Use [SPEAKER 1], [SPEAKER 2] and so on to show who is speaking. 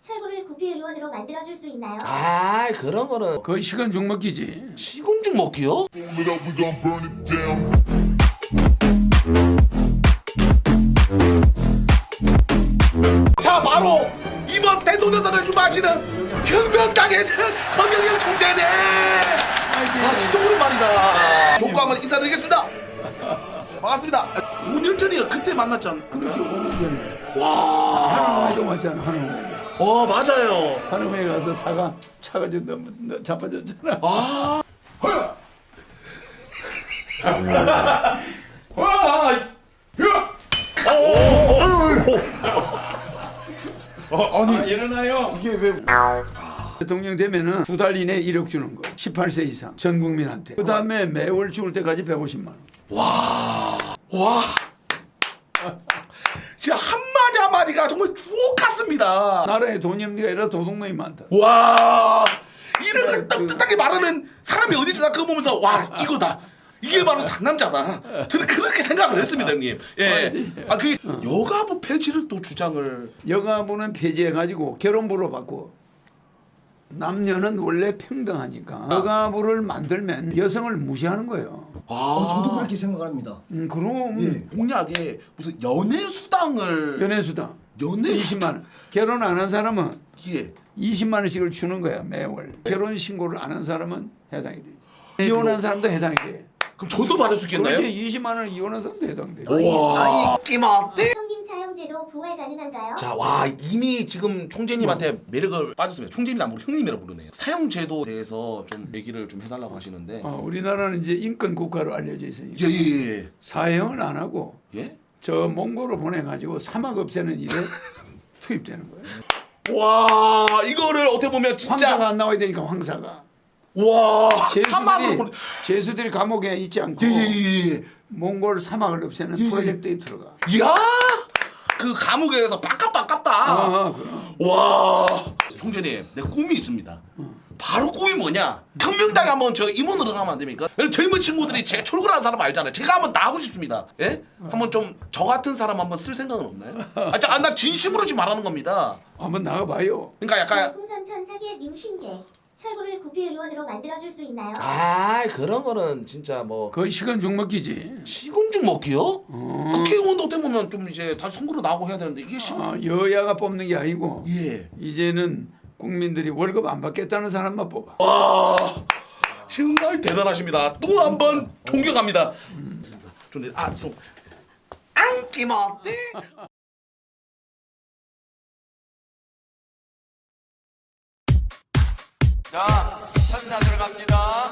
[SPEAKER 1] 철구를 국회의원으로 만들어줄 수 있나요?
[SPEAKER 2] 아, 그런 거는
[SPEAKER 3] 거의 시간 죽먹기지.
[SPEAKER 2] 시금죽 먹기요?
[SPEAKER 4] It up, we gon' burn it down.
[SPEAKER 2] 자, 바로 이번 대통령상을 주마하시는 혁명당의 허경영 총재네. 아, 진짜 오랜만이다. 조과 한번 인사드리겠습니다. 반갑습니다. 5년 전이요. 그때 만났잖아.
[SPEAKER 3] 그렇죠. 5년 전에.
[SPEAKER 2] 와.
[SPEAKER 3] 한우회도 왔잖아. 한우회.
[SPEAKER 2] 맞아요.
[SPEAKER 3] 한우회 가서 사과 차가 좀 너무 자빠졌잖아.
[SPEAKER 2] 아.
[SPEAKER 3] 아니 일어나요. 이게 왜? 대통령 되면은 2달 이내 1억 주는 거. 18세 이상 전 국민한테. 그 다음에 매월 죽을 때까지 150만 원.
[SPEAKER 2] 와. 진짜 한마디 한마디가 정말 주옥 같습니다.
[SPEAKER 3] 나라에 돈이 없는 게 아니라 도둑놈이 많다.
[SPEAKER 2] 와. 이렇게 따뜻하게 말하면 사람이 어디지? 나 그거 보면서 와, 이거다. 이게 바로 상남자다. 저는 그렇게 생각을 했습니다, 형님. 예. 아, 그 여가부 폐지를 또 주장을.
[SPEAKER 3] 여가부는 폐지해가지고 결혼부로 바꾸어. 남녀는 원래 평등하니까 여가부를 만들면 여성을 무시하는 거예요.
[SPEAKER 5] 저도 그렇게 생각합니다.
[SPEAKER 3] 그럼
[SPEAKER 2] 공약에 무슨 연애 수당을
[SPEAKER 3] 연애수당
[SPEAKER 2] 연애
[SPEAKER 3] 20만 원. 결혼 안 한 사람은
[SPEAKER 2] 예.
[SPEAKER 3] 20만 원씩을 주는 거야 매월. 결혼 신고를 안 한 사람은 해당이 되지.
[SPEAKER 2] 네,
[SPEAKER 3] 이혼한 사람도 해당이 돼.
[SPEAKER 2] 그럼 저도 받을 수 있겠나요?
[SPEAKER 3] 그렇지. 20만 원 이혼한 사람도 해당돼.
[SPEAKER 2] 와. 끼마대.
[SPEAKER 1] 성김 사형제도 부활 가능한가요?
[SPEAKER 2] 자, 와, 이미 지금 총재님한테 매력을 빠졌습니다. 총재님이 안 부르고 형님이라고 부르네요. 사형제도에 대해서 좀 얘기를 좀 해달라고 하시는데.
[SPEAKER 3] 우리나라는 이제 인권 국가로 알려져 있으니까
[SPEAKER 2] 예.
[SPEAKER 3] 사형을 안 하고
[SPEAKER 2] 예?
[SPEAKER 3] 저 몽골로 보내가지고 사막 없애는 일에 투입되는 거예요.
[SPEAKER 2] 와, 이거를 어떻게 보면 진짜
[SPEAKER 3] 황사가 안 나와야 되니까 황사가.
[SPEAKER 2] 와, 사막으로 보내.
[SPEAKER 3] 제수들이 감옥에 있지 않고
[SPEAKER 2] 예.
[SPEAKER 3] 몽골 사막을 없애는 프로젝트에 들어가.
[SPEAKER 2] 이야, 그 감옥에서 아깝다.
[SPEAKER 3] 그럼.
[SPEAKER 2] 와, 총재님, 내 꿈이 있습니다. 바로 꿈이 뭐냐? 혁명당에 한번 저 임원으로 가면 안 됩니까? 젊은 친구들이 제가 철구라는 사람 알잖아요. 제가 한번 나가고 싶습니다. 예? 한번 좀 저 같은 사람 한번 쓸 생각은 없나요? 나 진심으로 지금 말하는 겁니다.
[SPEAKER 3] 한번 나가봐요.
[SPEAKER 2] 그러니까 약간
[SPEAKER 1] 풍선천 사기의 님쉰개 철구를 국회의원으로 만들어줄 수 있나요?
[SPEAKER 2] 그런 거는 진짜 뭐
[SPEAKER 3] 거의 시간 죽먹기지.
[SPEAKER 2] 시금죽 먹기요? 국회의원도 어떻게 보면 좀 이제 다시 선거로 나오고 해야 되는데 이게
[SPEAKER 3] 여야가 뽑는 게 아니고
[SPEAKER 2] 예.
[SPEAKER 3] 이제는 국민들이 월급 안 받겠다는 사람만 뽑아.
[SPEAKER 2] 와, 정말 대단하십니다. 또 한 번 존경합니다. 좀 안기마대.
[SPEAKER 6] 자, 천사 들어갑니다.